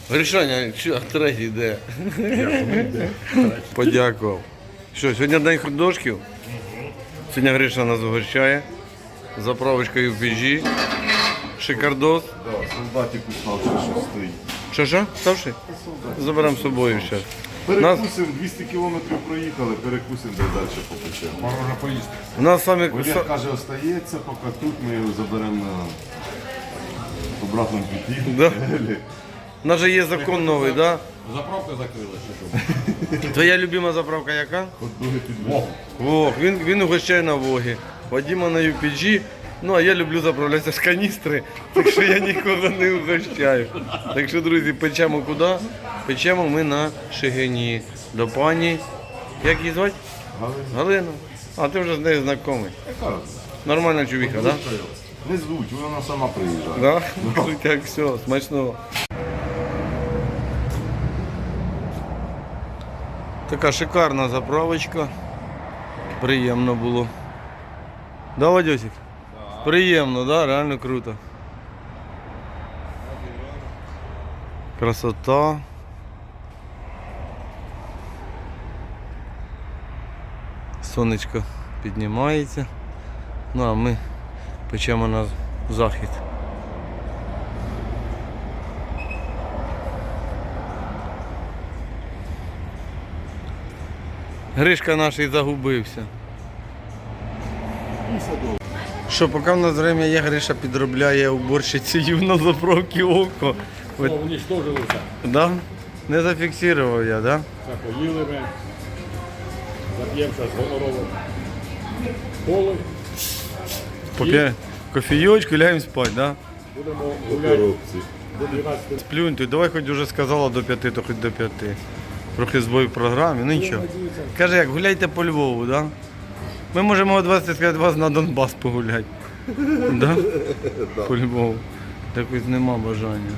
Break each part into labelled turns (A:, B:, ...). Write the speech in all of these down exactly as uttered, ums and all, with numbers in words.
A: Гришаня, що, третій де? Подякував. Що, сьогодні день художків? Сьогодні Гриша нас угощає. Заправочка ю пі джі. Шикардос.
B: Да, солдатик уставший, що стоїть.
A: Що, що? Ставши? Заберемо з собою зараз.
B: Перекусимо, двісті кілометрів проїхали, перекусимо, де далі попечемо.
C: Можна поїсти.
A: У нас саме...
B: Олег каже, остається, поки тут ми його заберемо на обратному путі.
A: Да. У нас же є закон новий, да?
C: Заправка закрилася, чи що?
A: Твоя любима заправка яка?
B: Хот-доги підвезли.
A: Вог, він, він угощає на Вогі. Вадима на ю пі джі. Ну, а я люблю заправлятися з каністри, так що я нікого не угощаю. Так що, друзі, печемо куди? Печемо ми на Шигині. До пані, як її звати?
B: Галина.
A: Галина. А ти вже з нею знайомий.
B: Яка?
A: Нормальна чувіха, так? Да?
B: Не звуть, вона сама приїжджає.
A: Да? Кажуть, як все, смачного. Така шикарна заправочка. Приємно було. Да, Вадьосик? Приємно, да? Реально круто. Красота. Сонечко піднімається. Ну а ми печемо на захід. Гришка наш і загубився. Що, поки в нас время є, Гриша підробляє уборщицею на заправці око.
C: Все, уничтожилися.
A: Да? Не зафіксував я, да?
C: Все, поїли ми. Зап'ємо зараз гонорово. Коли
A: Поп'є кофійочку, ляємо спати, да?
C: будемо
B: По
C: гуляти
B: коробці.
C: до дванадцяти.
A: Сплюнь, ти давай хоч уже сказала до п'яти, то хоч до п'яти. Трохи збой в програмі, ну нічого. Каже, як гуляйте по Львову, да? Ми можемо о двадцяти сказати, вас на Донбас погуляти. Да? По Львову. Так ось нема бажання.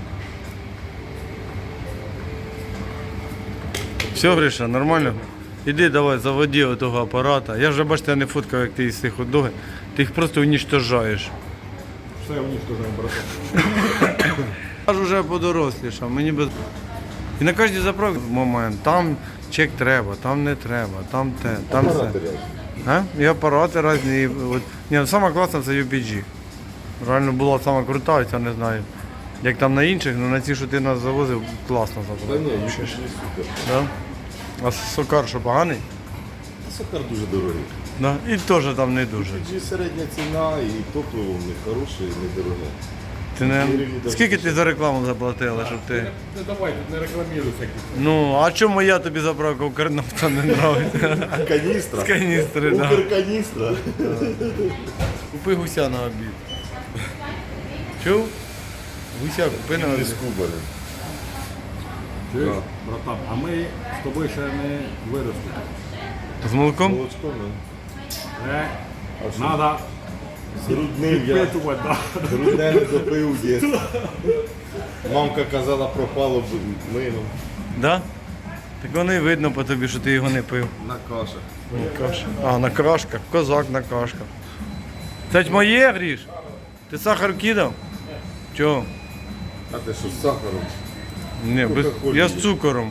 A: Все, Гриша, нормально? Іди давай, заводи отого апарата. Я вже, бачите, не фоткав, як ти їсти хот-доги. Ти їх просто уничтожаєш.
C: Все уничтожаємо, братан.
A: Я ж вже подорослішав, мені без... І на кожній заправці момент, там чек треба, там не треба, там те, там це. А? І апарати різні. і От. Ні, ну, саме класне це ю пі джі. Реально була сама крута, я не знаю. Як там на інших, але на ці, що ти нас завозив, класно
B: Та
A: заправка.
B: ні, їх не супер.
A: Да? А сокар що поганий?
B: Сокар дуже дорогий.
A: Да? І теж там не дуже.
B: Тоді середня ціна і топливо в них хороше і недороге.
A: Ти не... Скільки ти за рекламу заплатила, щоб ти...
C: Не давай, тут не рекламіруй всякі.
A: Ну, а чому я тобі заправка Укрнафта не нравиться?
B: Каністра?
A: З каністри, так. Да.
B: Укрканістра?
A: Купи гуся на обід. Чув? Гуся купи на
B: Не
A: обід.
B: скубані.
C: Чуєш, братан, а ми з тобою ще не виросли.
A: З молоком?
B: Молочко, не?
C: Е, Надо
B: Зруднив я.
C: підпитувати, да.
B: Грудне не допив в дітстві. Мамка казала, пропало б мило.
A: Да? Так воно і видно по тобі, що ти його не пив.
B: На кашах.
A: На кашах. А, на крашках. Козак на кашках. Це ж моє, Гріш? Ти сахар кидав? Чого?
B: А ти що з сахаром?
A: Ні, без...
B: Кока-колі
A: я
B: є.
A: з цукором.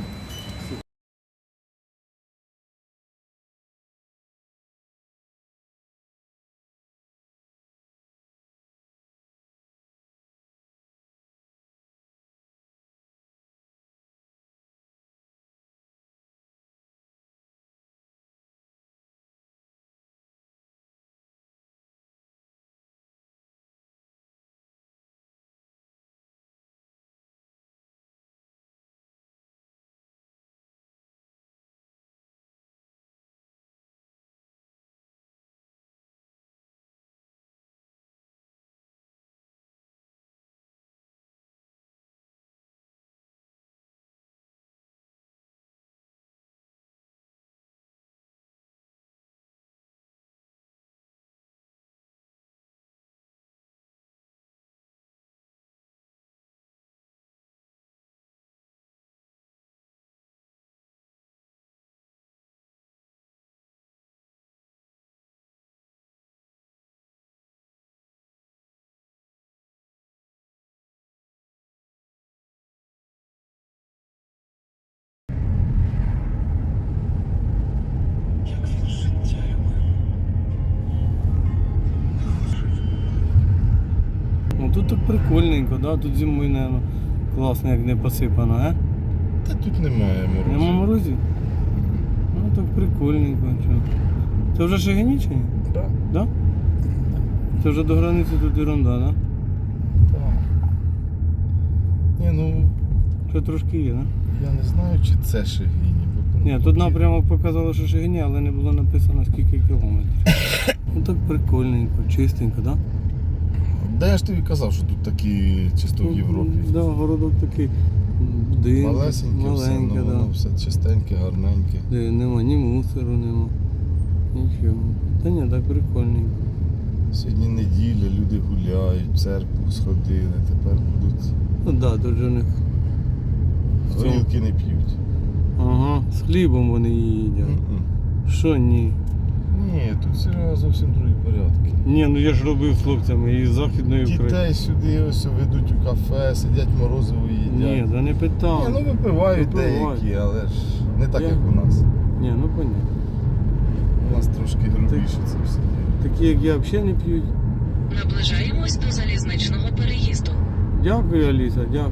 A: тепленько, да? Тут зимою, мабуть, класно, як не посипано, а?
D: Та тут немає морозу.
A: Нема морозів? Ну так прикольненько. Чо. Це вже Шегині чи ні?
D: Так,
A: Да? Це вже до границі тут ерунда, да?
D: так. Ні, ну,
A: Ще трошки є, да?
D: я не знаю, чи це Шегині. бо,
A: Ні,
D: ну,
A: тут напрямок показало, що Шегині, але не було написано скільки кілометрів. Ну так прикольненько, чистенько, да?
D: Де я ж тобі казав, що тут такі чисто в Європі.
A: Да, городок такий будинок,
D: Малесеньке, все,
A: маленьке,
D: ну,
A: да.
D: воно все чистеньке, гарненьке.
A: Де нема ні мусору, нема. Нічого. Та ні, так прикольненько.
D: Сьогодні неділя, люди гуляють, в церкву сходили, тепер будуть
A: Ну так, да, тут же у них.
D: горілки не п'ють.
A: Ага, з хлібом вони її їдять.
D: М-м.
A: Що ні?
D: Ні, тут все зовсім другі порядки.
A: Ні, ну я ж робив з хлопцями із Західної України.
D: Дітей сюди ось ведуть у кафе, сидять морозиво їдять.
A: Ні, да не питав.
D: Ні, ну випивають
A: Випивають.
D: деякі, але ж не так,
A: Я-
D: як у нас.
A: Ні, ну понятно.
D: У нас трошки грубіше це все.
A: Такі, як я, взагалі не п'ють.
E: Наближаємось до залізничного переїзду.
A: Дякую, Аліса, дякую.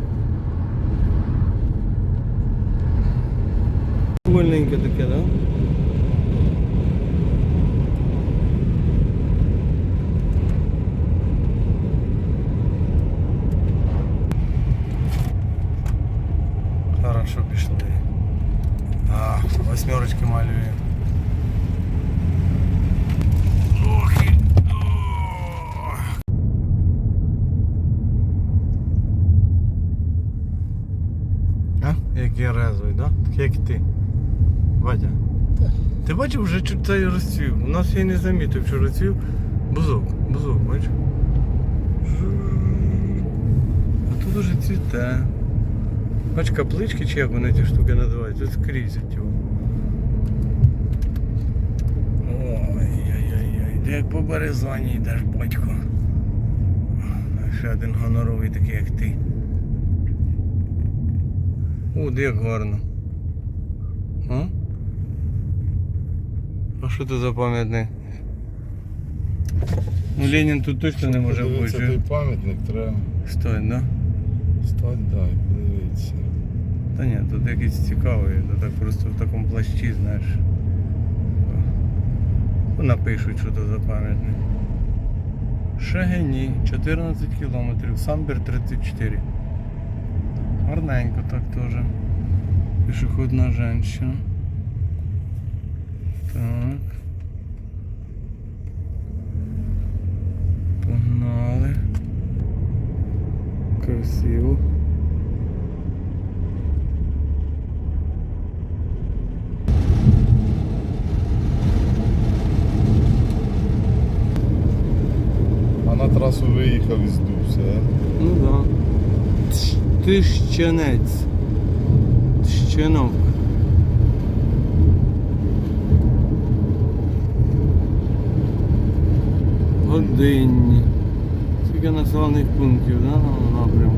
A: Вольненьке таке, так? Да? Хорошо пішли. А, восьмерочки малює. Ох, і... Ох. А? Як я резвий, да? Так як ти. Вадя. Ти бачив, вже чу- цей розцвів. У нас я й не замітив, що розцвів. Бузок, бузок, бачиш? А тут уже цвіте. Бач, каплички, чи як вони ці штуки називають, тут скрізь його. Ой-ой-ой, де як по березані йдеш, батько. Ще один гоноровий такий, як ти. О, де як гарно. А? А що це за пам'ятник? Ну Ленін тут точно не може
D: Подивитися той
A: бути.
D: пам'ятник, треба
A: Стой, да?
D: стати, да, і подивитися.
A: Та ні, тут якийсь цікавий, то так просто в такому плащі, знаєш. Ну, напишуть, що це за пам'ятник. Шегині, чотирнадцять кілометрів, Самбір тридцять чотири. Гарненько так теж. Пішохідна жінка. Так. Погнали. Красиво.
D: А на трасу виїхав і здувся, а?
A: Ну да. Тш- Тищенець. Тщенок. Годинні. Скільки населених пунктів, да, на напрямку?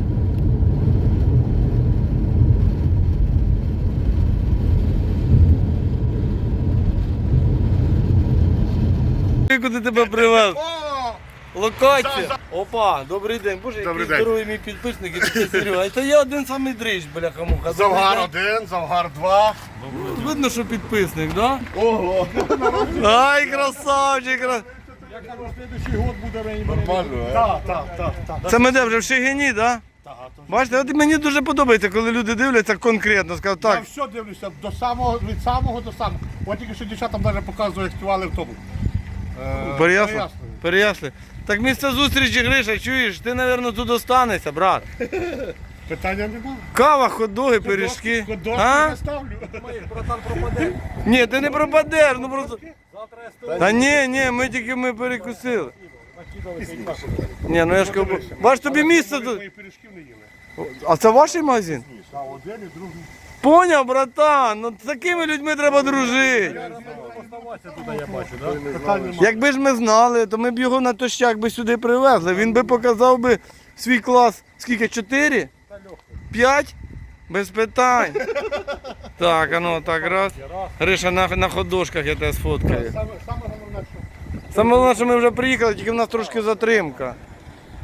A: Куди тебе привез? Локація. Опа, добрий день. Боже, який
F: Добрий день.
A: здоровий мій підписник, і такий Серега. Це я один самий дрищ, бляха-муха.
F: Завгар
A: Добрий день.
F: один, завгар два.
A: Видно, що підписник, да?
F: Ого!
A: Ай, красавчик! кра-
C: Я кажу, слідуючий год буде мені.
D: Нормально, а?
F: Так, так, так, так.
A: Це ми де вже в Шегині, да?
F: Так, то
A: Бачите, от мені дуже подобається, коли люди дивляться конкретно, скажуть,
F: Я
A: так,
F: все дивлюся до самого, від самого до самого. От тільки що дівчатам навіть показували, як співали в тому. Е,
A: Переяслав? Переясли. Так місце зустрічі, Гриша, чуєш, ти, мабуть, тут останешся, брат.
F: Питання немає.
A: Кава, хот-доги, пиріжки.
F: Кодошки
A: А?
F: не ставлю.
C: Братан пропаде.
A: Ні, ти не пропадеш, ну просто...
C: Завтра я стою.
A: Та ні, ні, ми тільки ми перекусили. Ні, ну я ж кажу, бач, тобі місце тут.
F: Мої пиріжків не їли.
A: А це ваш магазин?
F: Так, один і другий.
A: Поняв, братан, ну з такими людьми треба дружити.
C: Туди я бачу, так?
F: Питань немає.
A: Якби ж ми знали, то ми б його на тощак би сюди привезли. Він би показав би свій клас, скільки, чотири? П'ять? Без питань. Так, а ну так, раз. Гриша, на, на ходошках я тебе сфоткаю.
F: Саме, саме головне, що
A: Саме головне, що ми вже приїхали, тільки в нас трошки затримка.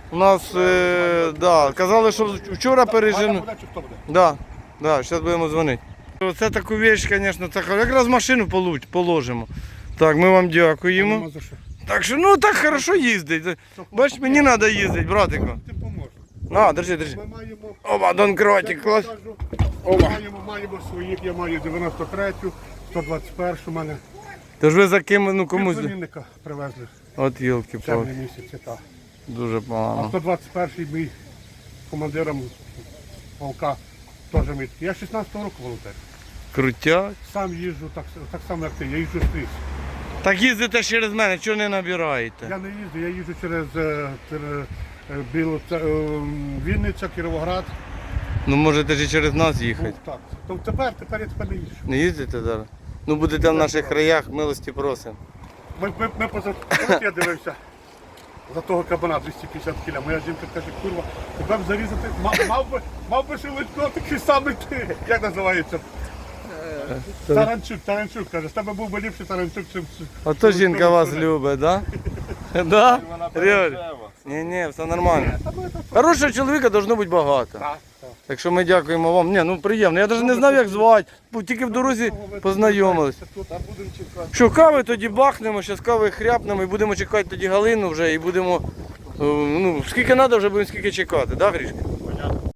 A: У нас, е, да, казали, що вчора
F: Ваня
A: пережену.
F: буде чи хто буде?
A: Да, да, зараз будемо дзвонити. Оце таку вещь, звісно, це хо- якраз машину полу- положимо. Так, ми вам дякуємо.
F: Нема за що.
A: Так що, ну так хорошо їздить. Бач, мені треба їздити, братику.
F: Ти поможеш.
A: На, держи, держи.
F: Ми маємо...
A: Опа, Донкратик, клас.
F: Я кажу, Маємо, маємо своїх, я маю дев'яносто третю, сто двадцять першу мене.
A: Тож ви за ким, ну комусь.
F: Племінника привезли
A: От йолки
F: в
A: палки
F: червні місяці, так.
A: дуже
F: А
A: погано.
F: сто двадцять перший мій командиром полка теж мій. Я шістнадцятого року волонтер.
A: Крутять.
F: Сам їжджу так, так само, як ти, я їжджу скрізь.
A: Так їздите через мене, чого не набираєте?
F: Я не їжджу, я їжджу через е, тер- е, Білу, Ц- е, Вінниця, Кіровоград.
A: Ну можете ж і через нас
F: Ну,
A: їхати.
F: так. То тепер, тепер я тепер не їжджу.
A: Не їздите зараз? Ну будете в наших краях, милості просимо.
F: Ми, ми, ми поза от я дивився за того кабана двісті п'ятдесят кіля. Моя жінка каже, курва, тебе б зарізати, мав, мав би, мав би шелудько такий самий ти. Як називається? Таранчук, Таранчук, каже, з тебе був би ліпший Таранчук, чим...
A: Ото жінка вас любить, да? Да? Реально? Ні, ні, все нормально. Хорошого чоловіка должно бути багато.
F: Так, так.
A: Так що ми дякуємо вам. Ні, ну приємно. Я навіть не знав, як звати. Бо тільки в дорозі познайомились. Що, кави тоді бахнемо, зараз кави хряпнемо і будемо чекати тоді Галину вже і будемо. е, Ну, скільки треба, вже будемо скільки чекати, да, Грішка?